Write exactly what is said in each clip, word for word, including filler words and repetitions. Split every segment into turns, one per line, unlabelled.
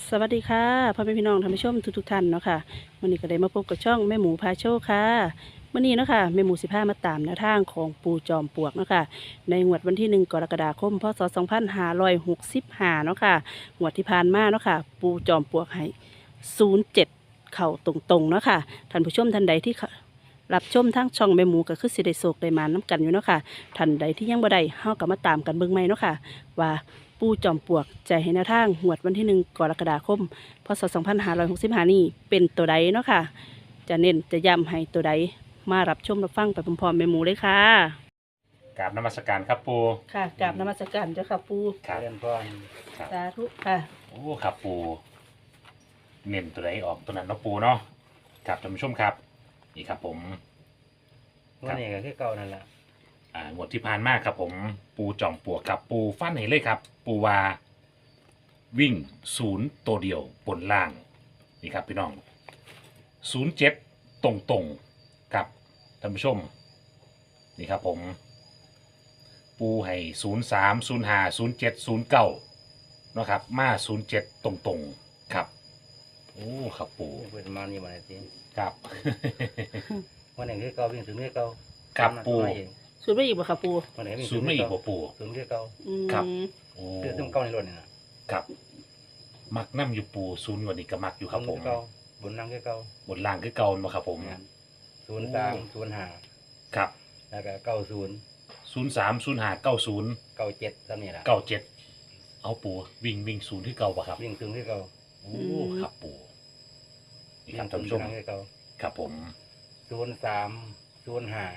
สวัสดีค่ะพ่อแม่พี่น้องท่านผู้ชมทุกๆท่านเนาะค่ะวันนี้ก็ได้มาพบกับช่องแม่หมูพาโชคค่ะวันนี้เนาะค่ะแม่หมูสิพามาตามแนวทางของปูจอมปลวกเนาะค่ะในงวดวันที่หนึ่งกรกฎาคมพศสองพันห้าร้อยหกสิบห้าเนาะค่ะงวดที่ผ่านมาเนาะค่ะปูจอมปลวกให้ศูนย์เจ็ดเข่าตรงๆเนาะค่ะท่านผู้ชมท่านใดที่รับชมทางช่องแม่หมูก็คือสิได้โศกได้มาน้ำกันอยู่เนาะค่ะท่านใดที่ยังบ่ได้เฮาก็มาตามกันเบิ่งใหม่เนาะค่ะว่า ปูจอมปลวกใจให้แนวทางหวดวันที่หนึ่งกรกฎาคมพศสองพันห้าร้อยหกสิบห้านี้เป็นตัวใดเนาะค่ะจะเน้นจะย้ำให้ตัวใดมารับชมรับฟังไปพร้อมๆแม่หมูเลยค่ะ
กราบนมัสการครับปู
ค่ะกราบนมัสการเจ้าค่ะปู
ครับ
เรียนพร
ครับ
สาธุค่ะ
โอ้ครับปูเน้นตัวใดออกตัวนั้นเนาะปูเนาะครับท่านผู้ชมครับนี่ครับผม
วันนี้ก็คือเก่านั่นแหละ
อ่างวดที่ผ่านมาครับผมปูจอมปลวกครับปูฟันให้เลยครับ ปูวาวิ่งศูนย์ตัวเดียวบนล่างนี่ครับพี่น้องศูนย์เจ็ดตรงตรงๆครับท่านผู้ชมนี่ครับผม ปูให้ศูนย์สามศูนย์ห้าศูนย์เจ็ดศูนย์เก้านาะครับมาศูนย์เจ็ดตรงตรงๆครับโอ้ครับปู
เปิดมานี่มาเลยสิ
ครับ
วันนี้คือเก่าวิ่งถึงคือเก่า
ครับปู
ทำมาเอง
สูตรไม่อีกบ่ค่ะปู
วันไหนวิ่ง
ศูนย์ไม่อีกบ่ปู
ถึงคือเก่า
อืม
ครับ โอ้
คือถึงเก่าในรถนี่นะครับ
มักน้ำอยู่ปูศูนย์วันนี้ก็มักอยู่ครับผม
เก่าบนนั่งคือเก่า
บนล่างคือเก่ามาครับผม
ศูนย์สามศูนย์ห้า
ครับ
แล้วก็เก้าศูนย์
ศูนย์สามศูนย์ห้าเก้าศูนย์
เก้าเจ็ดตามนี้แหละ
เก้าเจ็ดเอาปูวิ่งวิ่งศูนย์ที่เก่าปะครับ
วิ่งถึงคือเก่า
โอ้ครับปูนี่ค
วิ่
รับ
ง
ท่าน
ถึง
ผู้ชม
นั่งคือเก่า
ครับผม
ศูนย์สามศูนย์ห้า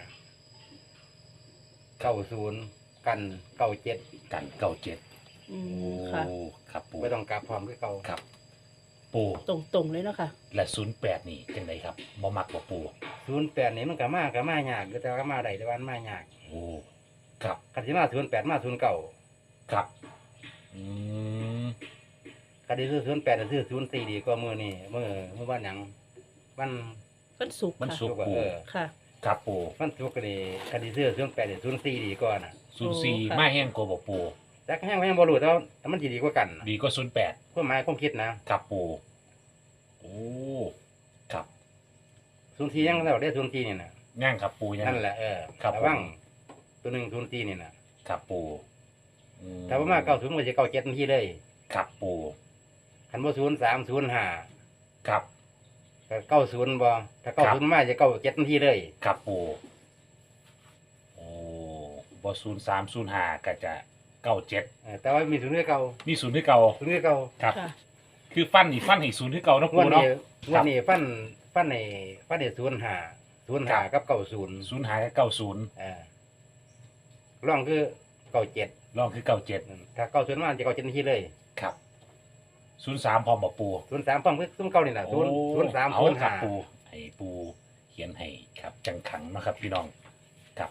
เก้าศูนย์กันเก้าเจ็ด
กันเก้าเจ็ด
อื
โอ้
มค่ะ
ครับปู
ไม่ต้องกลับพร้อมคือเก่า
ครับ ปู
ตรงๆเลยเนาะค่ะ
และศูนย์แปดนี่จังไดครับบ่มักบ่ปู
ศูนย์แปดนี่มันก็มาก็มายากแต่ว่าก็มาได้แต่ว่ามันมายาก
โอ้ครับ
คันที่มาศูนย์แปดมาศูนย์เก้า
ครับอืม
คันที่ซื้อศูนย์แปดซื้อศูนย์สี่ดีกว่ามือนี่มือมือบ้านหยังมัน
วันศุกร์
มัน
ค่ะ
สุกปู
เออ
ค่ะ
ครับปู
มันทุกก็ดีคันที่ซื้อศูนย์แปดศูนย์สี่ดีกว่าน่ะ
ศูนย์สี่
โอ้ค่ะ
มาแห้งกว่าบ่ปู
แต่ก็แห้งก็ยังบ่รู้แต่ว่าแต่มันสิดีกว่ากันน่ะ
ดีก็ศูนย์แปด
ความหมายความคิดนะครับ
ปูโอ้ครับ
ศูนย์สี่ยังแล้วได้ศูนย์สี่นี่น่ะ
ย่างครับปูย่าง
นั่นแหละเออ
ครับ
ระวัง
ผม
ตัวหนึ่งศูนย์สี่นี่น่ะ
ครับปูอืม
ถ้าว่ามาเก้าศูนย์ก็จะเก้าเจ็ดทันทีเลย
ครับปู
คันบ่ศูนย์สามศูนย์ห้า
ครับ
ก็เก้าศูนย์บ่ถ้าเก้าศูนย์มาจะเก้าเจ็ดทันทีเลย
ครับปูโอ้บ่ศูนย์สามศูนย์ห้าก็จะเก้าเจ็ด
เออแต่ว่ามีศูนย์คือเก่า
มีศูนย์ที่เก่า
ศูนย์คือเก่า
ครับ
ค่ะ
คือฟันนี่ฟันให้ศูนย์ที่เก่าเนาะ
ง
ปู
วัน
เนาะ
นี้
ครั
วั
บ
นนี้ฟันฟันในฟันในศูนย์ห้าศูนย์ห้ากับเก้าศูนย์
ศูนย์หากับเก้าศูนย์
เออร่องคือเก้าเจ็ด
ลองคือเก้าเจ็ด
ถ้าเก้าศูนย์มาจะเก้าเจ็ดทันทีเลย
ครับศูนย์สามพร้อมบ่ปู
ศูนย์สามพร้อมคือซุ้มเก้านี่แหละศูนย์ศูนย์สาม
เอา
ศูนย์
ครั
ห้า
บปูให้ปูเขียนให้ครับ จังขังเนาะครับ พี่น้องครับ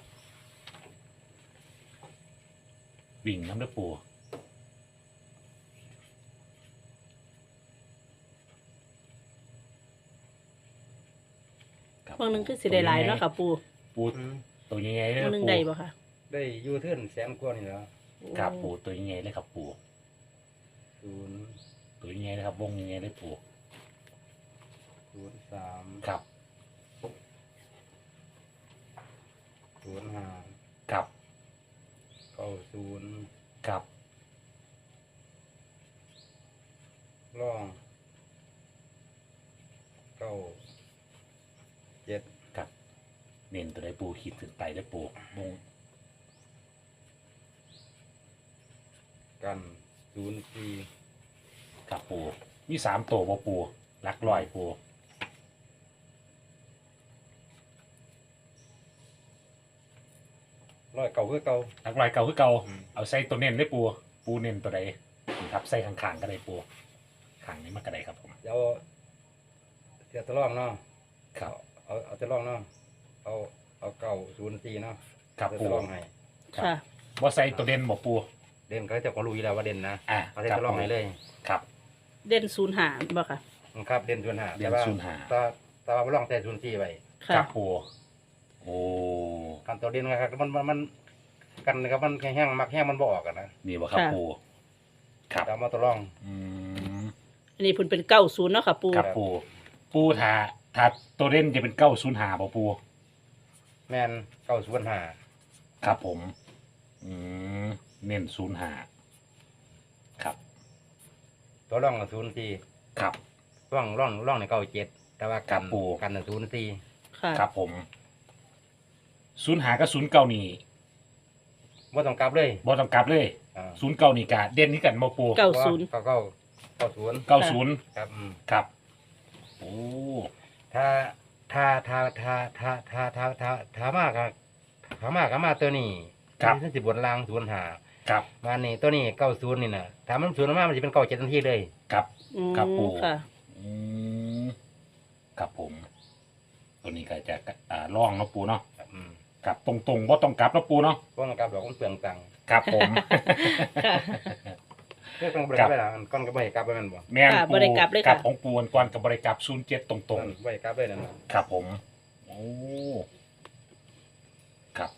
วิ่งน้ำเด้อปูครับ
บางหนึงคือสิได้หลายเนาะค่ะปู
ปูตัวยังไงเลย
บางหนึง
ปู
ได้บ่ค่ะ
ได้อยูเทิร์นแสนกว่านี่แหล้ว
ครับปูตัวยังไงเลยครับปู
ศูนย์
ตัวยังไงเลยครับวงยังไงเลยปู
ศูนย์สาม
ครับ
ศูนย์ห้า
ครับ
เก้าศูนย์
ครับ
ร่องเก้าเจ็ด
ครับเน้นตัวใดปูขีดถึงไปได้อปูวง
กันศูนย์สี่
ครับปูมีสามตัวบ่ปูลักลอยปู
ร้อยเก้าคือเก้า
ลักลอยเก่าคือเก่า
อืม
เอาใส่ตัวเน้นได้อปูปูเน้นตัวใดนี่ครับใส่ข้างๆก็ได้ปูข้างนี้มันก็ได้ครับผม
เดี๋ยวเสียตะล่องเนาะ
ครับ
เอาเอาตะล่องเนาะเอาเอาเก้าศูนย์สี่เนาะ
ครับ
เสีย
ปู
ตะล่องให้
ครับ
ค่ะ
ว่าใส่ตัวเด่นบ่ปู
เด่นเขาจะก็รู้อยู่แล้วว่าเด่นนะ
อ่า
เอาเสียตะล่องให้เลย
ครับ
เด่นศูนย์หาบ่ค่ะ
ครับเด่นศูนย์ห้า
เด่น
แต่ว่า
ศูนย์ห้า
แต่แต่ว่าล่องแต่ศูนย์สี่ไว้
ค่ะ
ครับปูโอ้
กันตัวเด่นนะครับมันมันมันกันนะครับมันแห้งๆมักแห้งมันบ่ออกกันนะ
นี่บ่ครับ
ค่ะ
ปูครับ
แต่เอามาตัวล่อง
อืม
อันนี้เพิ่นเป็นเก้าศูนย์เนาะค่ะปู
ครับปูปูถ้าถ้าตัวเล่นจะเป็นเก้าศูนย์หาบ่ปู
แม่นเก้าศูนย์ห้า
ครับผม อืมเน้นศูนย์หาครับ
ตัวร่องศูนย์สี่
ครับ
ร่องร่องร่องในเก้าเจ็ดแต่ว่า
ครั
กับ น
ปู่
กันศูนย์สี่
ค่ะ
ครับผมศูนย์หากับศูนย์เก้านี่
ว่าต้องกลับเลย
บ่ต้องกลับเลย
อ่า
ศูนย์เก้านี่กะเด่นนี่กันบ่ปู
เก้าศูนย์
เก้าเก้าเก้าศูนย์
เก้าศูนย์
ครับอืม
ครับโอ้
ถ้าถ้าถ้าถ้าถ้าถ้าถ้าถ้าถ้ามากครับถ้ามากก็มาตัวนี้ที่สิบบนล่างศูนย์ห้า
ครับ
มานี่ตัวนี้เก้าศูนย์นี่นะถ้ามันศูนย์มากมันจะเป็นเก้าเจ็ดทันทีเลย
ครับ
อืม
ครับปู
ค่ะ
อืมครับผม ตัวนี้ก็จะอ่าล่องเนาะปูเนาะ
ครับอืม
ครับตรงๆบ่ต้องกลับเนาะปูเนาะ
เพราะมันกลับดอกมันเปลืองตังค์
ครับผม
ค่ะ
เรื่องบริการไปละอันก้อนก็ไม่ให้กลับไปแมันบ่
แม่น
ค่ะ
ปู
บ่ได้กลับเลยค่ะ
กลับของปูวันก่อนกับบริกลับศูนย์เจ็ดตรง
ไม่ให้กลับเลยนั่นน่ะ
ๆ ครับผม โอ้ ครับ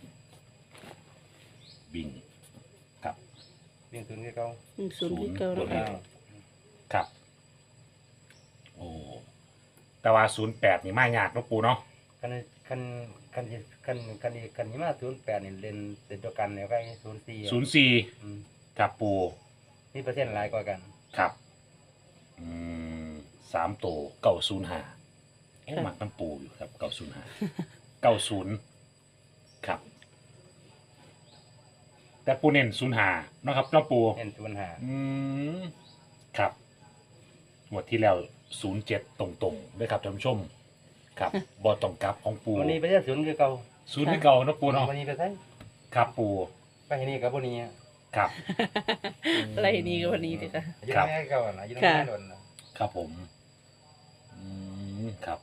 บิงครับ
วิ่งศูนย์คือเก่า
อืมศูนย์ที่เก้า
ศู
เนาะ
นย์
ค่ะ
ครับ โอ้ แต่ว่าศูนย์แปดนี่ไม่ยากเนาะปูเนาะ
คันคันคันคันคันคันนี้มาศูนย์แปดนี่เล่นเล่นตัวกันเนี่ยก็ศูนย์สี่
ศูนย์สี่
อืม
ครับปู
นี่เปอร์เซ็นต์หลายกว่ากัน
ครับ อืมสามตัวเก้าศูนย์ห้าเอ๊ะหมักน้ำปูอยู่ครับเก้าศูนย์ห้าเก้าศูนย์ครับ แต่ปูเน้นศูนย์ห้าเนาะครับน้ำปู
เล่นศูนย์ห้า
อืมครับงวดที่แล้วศูนย์เจ็ดตรงๆด้วยครับท่านผู้ชม ครับ บอตองกลับของปู
วันนี้เปอร์เซ็นต์ศูนย์คือเก่า
ศูนย์ที่เก่าเนาะปูเนาะ
วันนี้ไปใช่
ครับปู
ไปที่นี่กับวันนี้
ครับ
อะไรนี้ก็วันนี้ดิค่ะ
อยู่
ครับ
ในแม่เก่าอ่ะนะอยู่ใน
ค่ะ
แม่โดนนะครับ
ผม อืมครับ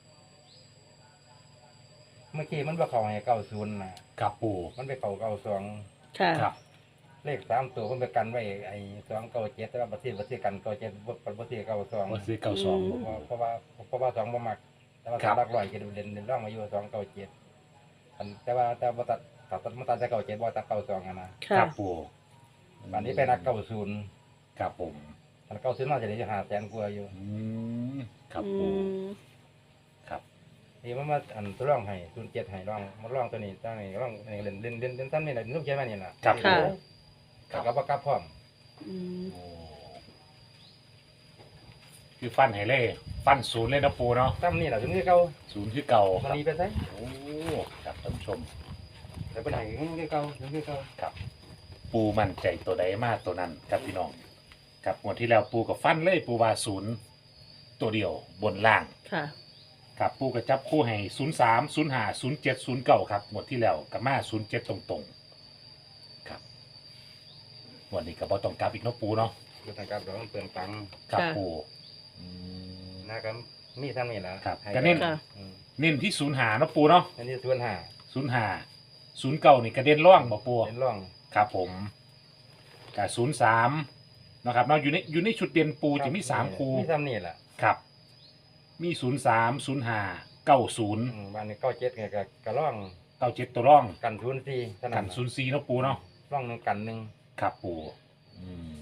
เมื่อกี้มันไปเข่าให้เก้าศูนย์นะครับ
ปู
มันไปเข่าเก้าสอง
ค่ะ
ครับ
เลขสามตัวมันไปกันไว้ไอ้สองเก้าเจ็ดแต่ว่าประเทศประเทศกันเก้าเจ็ดประเทศเก้าสอง
มาซื้อเก้าสอง
อืม
เพราะว่าเพราะว่าสองบ่มัก แต่ว่า
ครั
สา
บ
มหลักร้อยกิโลเด่นเด่นร่องมาอยู่สองเก้าเจ็ดแต่ว่าแต่ว่าตัดตัดตัดมาตัดจากเก้าเจ็ดบ่ตัดเก้าสองอะนะ
ค
ค่ะ
รับปู
อันนี้ไปนักเก้าศูนย์
ครับผม
อันเก้าศูนย์น่าจะได้หาแสนกว่าอยู่
อืมครับ
อื
ปู
ม
ครับ
นี่มันมาอันตัวร่องให้ศูนย์เจ็ดให้ร่องมันร่องตัวนี้ตั้งนี่ร่องนี่เล่นเล่นเล่นเล่นซ้ำนี่แหละลูกใช่ไหมนี่ล่ะ
ครับ
ค่ะ
ครับ
กับว่ากลับพร้อม
อืม
โอ้คือฟันให้เล่ฟันศูนย์เลยนะปูเนาะ
ซ้ำนี่แหละถึงที่เก่า
ศูนย์คือเก่าค
มัน
รับ
นี้ไปใช่
โอ้ครับท่านผู้ชม
แต่เป็นไหนถึงที่เก่าถึงที่เก่า
ครับ ปูมั่นใจตัวใดมากตัวนั้นครับพี่น้องครับงวดที่แล้วปูกับฟันเลยปูว่าศูนย์ตัวเดียวบนล่าง
ค่ะ
ครับปูกระจับคู่ให้ศูนย์สามศูนย์ห้าศูนย์เจ็ดศูนย์เก้าครับงวดที่แล้วกับมาศูนย์เจ็ดตรงๆครับงวันนี้กับบอต้องกลับอีกเนาะปูเนาะ
คือทางกับเราต้องเปลืองตังค์
ครับ
ค่ะ
ปูอืม
นะครับมีซ้ำนี่แหละ
ครับ
ให้
ก็เน้น
ค่ะ
อืม
เน้นที่ศูนย์หาเนาะปูเนาะ
อันนี้ส่วนห้า
ศูนย์ห้าศูนย์เก้านี่กระเด็นร่องบ่ปู
เป็นร่อง
ครับผมกับศูนย์สามนะครับเนาะอยู่ในอยู่ในชุดเด่นปูจะมีสามคู
มีซ้ำนี่แหละ
ครับ มีศูนย์สามศูนย์ห้าเก้าศูนย์
อืมบ้านนี้เก้าเจ็ดเนี่ยก็กระร่อง
เก้าเจ็ดตัวร่อง
กันศูนย์สี่เท่า
กั
นั้น น
ศูนย์สี่เนาะปูเนาะ
ร่องหนึ่งกันหนึ่ง
ครับปูอืม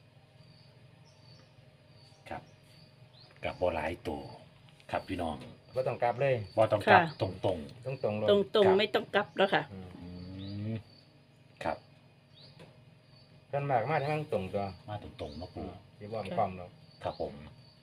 ครับกับบ่หลายตัวครับพี่น้อง
ก็ต้องกลับเลย
บ่ต้องกลับ
ค่ะ
ตรงตรง
ต้องตรงๆลง
ตรงตรง
ครับ
ไม่ต้องกลับแล้วค่ะ
อืม
ๆอืมครับ
ส่วนมากมาที่มันตรงตัว
มาตรงตรงๆเนาะปู
ที่บ่มความหรอก
ครับผม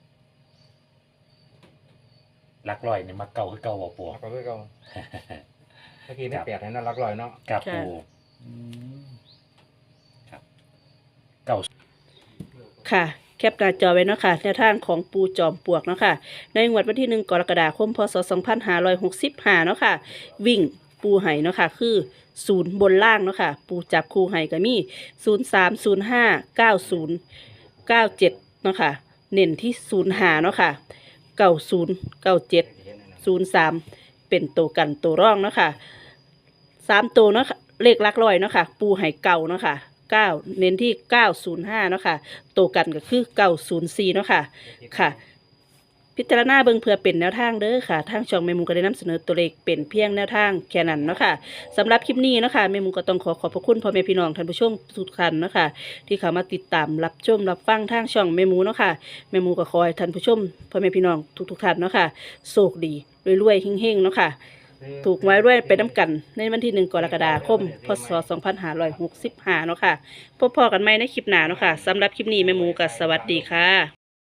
ลักลอยนี่มาเก่าคือเก่าบ่ปู
แล้วก็คือเก่าเมื่อกี้ไม่แปดให้น่ารักลอยเนาะ
ครับ
ค่ะ
ปูอืมครับเก่า
ค่ะ แคปหน้าจอไว้เนาะค่ะแนวทางของปูจอมปลวกเนาะค่ะ ในงวดวันที่หนึ่งกรกฎาคมพศสองพันห้าร้อยหกสิบห้าเนาะค่ะ วิ่งปูไห่เนาะค่ะ คือศูนย์บนล่างเนาะค่ะ ปูจับคู่ไห่ก็มีศูนย์สามศูนย์ห้าเก้าศูนย์เก้าเจ็ดเนาะค่ะ เน้นที่ศูนย์หาเนาะค่ะเก้าศูนย์เก้าเจ็ด ศูนย์สามเป็นตัวกันตัวร่องเนาะค่ะสามตัวเนาะค่ะเลขหลักร้อยเนาะค่ะ ปูไห่เก่าเนาะค่ะเก้าเน้นที่เก้าศูนย์ห้าเนาะค่ะตัวกันก็คือเก้าศูนย์สี่เนาะค่ะค่ะพิจารณาเบิ่งเพื่อเป็นแนวทางเด้อค่ะทางช่องแม่หมูก็ได้นำเสนอตัวเลขเป็นเพียงแนวทางแค่นั้นเนาะค่ะสำหรับคลิปนี้เนาะค่ะแม่หมูก็ต้องขอขอบพระคุณพ่อแม่พี่น้องท่านผู้ชมทุกท่านเนาะค่ะที่เข้ามาติดตามรับชมรับฟังทางช่องแม่หมูเนาะค่ะแม่หมูก็ขอให้ท่านผู้ชมพ่อแม่พี่น้องทุกๆท่านเนาะค่ะโชคดีรวยๆเฮงๆเนาะค่ะถูกไว้ด้วยไปน้ำกันในวันที่หนึ่งกรกฎาคมพศสองพันห้าร้อยหกสิบห้าเนาะค่ะพบพอกันใหม่ในคลิปหน้าเนาะค่ะสำหรับคลิปนี้แม่หมูก็สวัสดีค่ะ